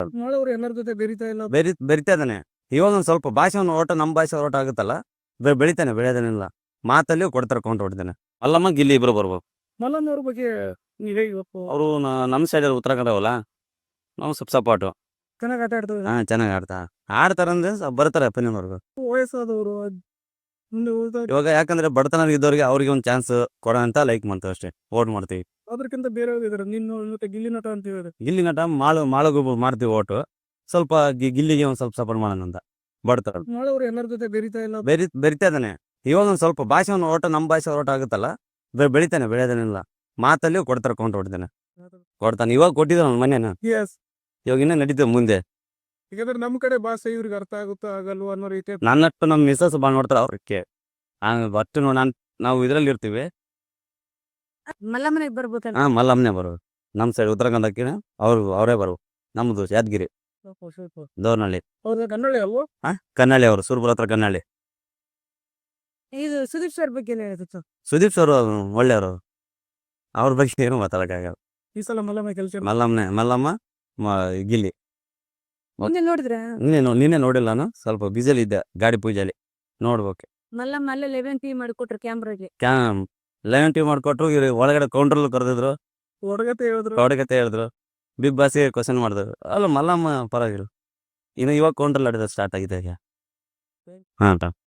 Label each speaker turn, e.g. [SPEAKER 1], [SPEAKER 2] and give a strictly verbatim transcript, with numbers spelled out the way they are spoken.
[SPEAKER 1] ಮಾಡೋರು ಎಲ್ಲರ ಜೊತೆ ಬೆರಿತಾ ಇಲ್ಲ.
[SPEAKER 2] ಬೆರಿ ಬೆರಿತಾ ಇದ್ದಾನೆ. ಇವಾಗ ಒಂದು ಸ್ವಲ್ಪ ಭಾಷೆ ಒಂದು ಓಟ ನಮ್ಮ ಭಾಷೆ ಓಟ ಆಗುತ್ತಲ್ಲ, ಬೆ- ಬೆಳಿತಾನೆ, ಬೆಳೆಯೋದೇನಿಲ್ಲ. ಮಾತಲ್ಲಿ ಕೊಡ್ತಾರೆ, ಕೌಂಟ್ ಹೊಡಿತಾನೆ. ಅಲ್ಲಮ್ಮ ಗಿಲ್ಲಿ ಇಬ್ರು ಬರ್ಬೋದು.
[SPEAKER 1] ಮಲ್ಲನ್ ಅವ್ರ ಬಗ್ಗೆ ನೀವ್ ಹೇಗೆ ಇವತ್ತು
[SPEAKER 2] ಅವರು ನಮ್ಮ ಸೈಡ್ ಉತ್ತರ ಕನ್ನಡವಲ್ಲ, ನಾವು ಸ್ವಲ್ಪ ಸಪೋರ್ಟು.
[SPEAKER 1] ಚೆನ್ನಾಗಿ ಆಟ ಆಡ್ತಾರೆ.
[SPEAKER 2] ಹಾ, ಚೆನ್ನಾಗಿ ಆಡ್ತಾ ಆಡ್ತಾರಂದ್ರೆ ಸ- ಬರ್ತಾರೆ ಅಪ್ಪನವ್ರಿಗೆ.
[SPEAKER 1] ವಯಸ್ಸಾದವರು ಮುಂದೆ ಉಳಿದ
[SPEAKER 2] ಇವಾಗ ಯಾಕಂದ್ರೆ ಬಡತನ ಇದ್ದವ್ರಿಗೆ ಅವ್ರಿಗೆ ಒಂದು ಚಾನ್ಸ್ ಕೊಡ ಅಂತ ಲೈಕ್ ಮಾಡ್ತೀವಿ ಅಷ್ಟೇ, ಓಟ್ ಮಾಡ್ತೀವಿ.
[SPEAKER 1] ಅದಕ್ಕಿಂತ ಬೇರೆ ಇದಾರೆ. ನಿನ್ನ ಮತ್ತೆ ಗಿಲ್ಲಿ ನಟ ಅಂತ ಹೇಳಿದ್ರೆ
[SPEAKER 2] ಗಿಲ್ಲಿ ನಟ ಮಾಳು ಮಾಳುಗೂ ಮಾಡ್ತೀವಿ ಓಟು. ಸ್ವಲ್ಪ ಗಿ- ಗಿಲ್ಲಿಗೆ ಒಂದು ಸ್ವಲ್ಪ ಸಪೋರ್ಟ್ ಮಾಡೋಣ ಅಂತ. ಬಡತರ
[SPEAKER 1] ಮಾಡೋರು ಎಲ್ಲರ ಜೊತೆ ಬೆರಿತಾ ಇಲ್ಲ.
[SPEAKER 2] ಬೆರಿ ಬೆರಿತಾ ಇದ್ದಾನೆ. ಇವಾಗ ಒಂದು ಸ್ವಲ್ಪ ಭಾಷೆ ಒಂದು ಓಟ ನಮ್ಮ ಭಾಷೆ ಓಟ ಆಗುತ್ತಲ್ಲ, ಬೆ- ಬೆಳಿತಾನೆ, ಬೆಳೆಯೋದೇನಿಲ್ಲ. ಮಾತಲ್ಲಿ ಕೊಡ್ತಾರೆ, ಕೌಂಟ್ ಹೊಡಿತಾನೆ, ಕೊಡ್ತಾನೆ. ಇವಾಗ ಕೊಟ್ಟಿದ್ದಾನೆ ಅವ್ನ ಮನೇನ.
[SPEAKER 1] ಎಸ್
[SPEAKER 2] ಇವಾಗ ಇನ್ನೂ ನಡೀತದೆ ಮುಂದೆ.
[SPEAKER 1] ಯಾಕಂದ್ರೆ ನಮ್ ಕಡೆ ಭಾಷೆ ಇವ್ರಿಗೆ ಅರ್ಥ ಆಗುತ್ತಾ ಆಗಲ್ವ ಅನ್ನೋ ರೀತಿ
[SPEAKER 2] ನನ್ನಟ್ಟು ನಮ್ಮ ಮಿಸಸ್ ಭಾಳ ನೋಡ್ತಾರೆ ಅವ್ರಿಗೆ. ಒಟ್ಟು ನಾನು ನಾವು ಇದರಲ್ಲಿ ಇರ್ತೀವಿ.
[SPEAKER 3] ಮಲ್ಲಮ್ಮನಿಗೆ ಬರ್ಬೇಕಲ್ಲ.
[SPEAKER 2] ಹಾ, ಮಲ್ಲಮ್ಮನೆ ಬರೋದು. ನಮ್ಮ ಸೈಡ್ ಉತ್ತರ ಕನ್ನಡಕ್ಕೆ ಅವ್ರು ಅವರೇ ಬರೋದು. ನಮ್ಮದು ಯಾದಗಿರಿ ದೋರ್ನಹಳ್ಳಿ.
[SPEAKER 1] ಅವ್ರ ಕನ್ನಡ ಅಲ್ವಾ?
[SPEAKER 2] ಹಾ, ಕನ್ನಳ್ಳಿ ಅವರು, ಸುರ್ಪುರ ಹತ್ರ ಕನ್ನಳ್ಳಿ.
[SPEAKER 3] ಇದು ಸುದೀಪ್ ಸರ್ ಬಗ್ಗೆ ಏನ್ ಹೇಳಿತ್ತು?
[SPEAKER 2] ಸುದೀಪ್ ಸರ್ ಒಳ್ಳೆಯವರು. ಅವ್ರ ಬಗ್ಗೆ ಏನು ಮಾತಾಡೋಕ್ಕಾಗಲ್ಲ.
[SPEAKER 1] ಈ ಸಲ ಮಲ್ಲಮ್ಮ ಕೆಲಸ
[SPEAKER 2] ಮಲ್ಲಮ್ಮನೆ ಮಲ್ಲಮ್ಮ ಮ- ಗಿಲ್ಲಿ.
[SPEAKER 3] ಮುಂದೆ ನೋಡಿದ್ರ
[SPEAKER 2] ನಿನ್ನೆ ನೋ- ನಿನ್ನೆ ನೋಡಿಲ್ಲ, ನಾನು ಸ್ವಲ್ಪ ಬಿಸಿಲಿ ಇದ್ದೆ, ಗಾಡಿ ಪೂಜೆಲಿ. ನೋಡ್ಬೇಕು.
[SPEAKER 3] ಮಲ್ಲಮ್ಮ ಅಲ್ಲೇ ಲೆವೆನ್ ಟಿ ಮಾಡಿಕೊಟ್ರು ಕ್ಯಾಮ್ರಾಗೆ.
[SPEAKER 2] ಕ್ಯಾಮ್ ಲೆವೆನ್ ಟಿ ಮಾಡ್ಕೊಟ್ರು. ಇವ್ರು ಒಳಗಡೆ ಕೌಂಟ್ರಲ್ಲಿ ಕರೆದಿದ್ರು,
[SPEAKER 1] ಹೊರಗತೆ ಹೇಳಿದ್ರು.
[SPEAKER 2] ಹೊಡಗತೆ ಹೇಳಿದ್ರು, ಬಿಗ್ ಬಾಸ್ಗೆ ಕ್ವಶನ್ ಮಾಡಿದ್ರು. ಅಲ್ಲ ಮಲ್ಲಮ್ಮ ಪರವಾಗಿಲ್ಲ. ಇನ್ನು ಇವಾಗ ಕೌಂಟ್ರಲ್ಲಿ ಆಡಿದ ಸ್ಟಾರ್ಟ್ ಆಗಿದೆ ಈಗ. ಹಾಂ.